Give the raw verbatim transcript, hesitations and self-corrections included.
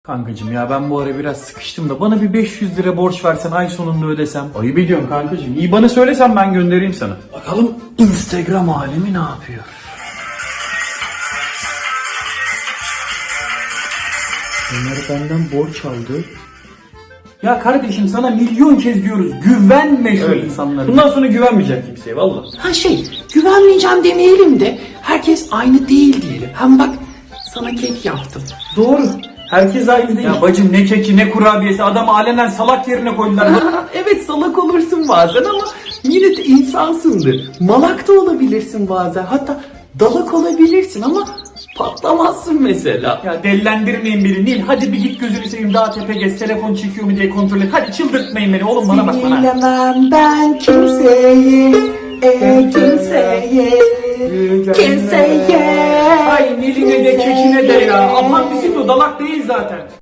Kankacım ya ben bu ara biraz sıkıştım da bana bir beş yüz lira borç versen ay sonunda ödesem. Ayıp ediyorum kankacım. İyi bana söylesen ben göndereyim sana. Bakalım Instagram alemi ne yapıyor? Ömer benden borç aldı. Ya kardeşim sana milyon kez diyoruz güvenme şu Evet. insanlara. Bundan sonra güvenmeyecek kimseye valla. Ha şey, güvenmeyeceğim demeyelim de herkes aynı değil diyelim. Hem bak sana kek yaptım. Doğru. Herkes aynı değil. Ya bacım ne keki ne kurabiyesi adamı alenen salak yerine koydular. Evet, salak olursun bazen ama yine de insansındır. Malak da olabilirsin bazen. Hatta dalak olabilirsin ama patlamazsın mesela. Ya dellendirmeyin beni Nil. Hadi bir git gözünü seveyim daha tepe gez. Telefon çekiyor mu diye kontrol et. Hadi çıldırtmayın beni oğlum bana bak bana. Sinirlemem ben kimseyi, e, kimseyi, kimseye. Ay Nil'ine de kekine de ya. Aman bisiklet dalak değil zaten.